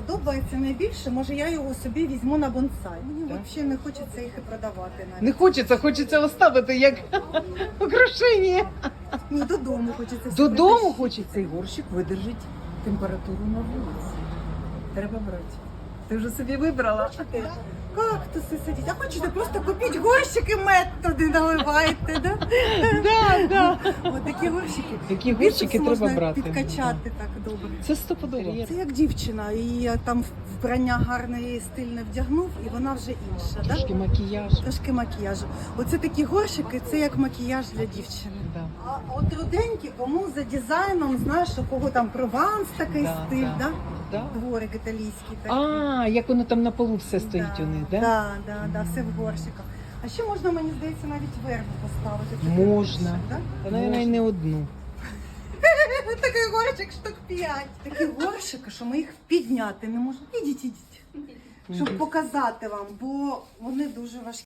подобається найбільше, може я його собі візьму на бонсай. Мені Так. взагалі не хочеться їх і продавати навіть. Не хочеться оставити як украшення. Ні, додому хочеться. собі Додому притащити. хочеться і горщик видержить температуру на вулиці. Треба брати. Ти вже собі вибрала. Кактуси сидять. А хочете просто купіть горщики, мед туди наливайте, да? Да. Ось такі горщики. Такі Біцепс горщики треба можна брати. підкачати так добре. Це стопудово. Це як дівчина, і там вбрання гарне і стильне вдягнув, і вона вже інша, да? Трошки макіяж. Трошки макіяжу. Оце такі горщики, це як макіяж для дівчини. Да. А от руденькі, кому за дизайном, знаєш, у кого там прованс такий Да, стиль, да. да? Да. Дворик італійський такий. А, як воно там на полу все стоїть у них, да? Да, все в горщиках. А ще можна, мені здається, навіть вербу поставити. Такий Можна. горщик, да? Та, навіть, не одну. Такий горщик штук 5. Такі горщики, що ми їх підняти не можемо. Ідіть. Щоб показати вам, бо вони дуже важкі.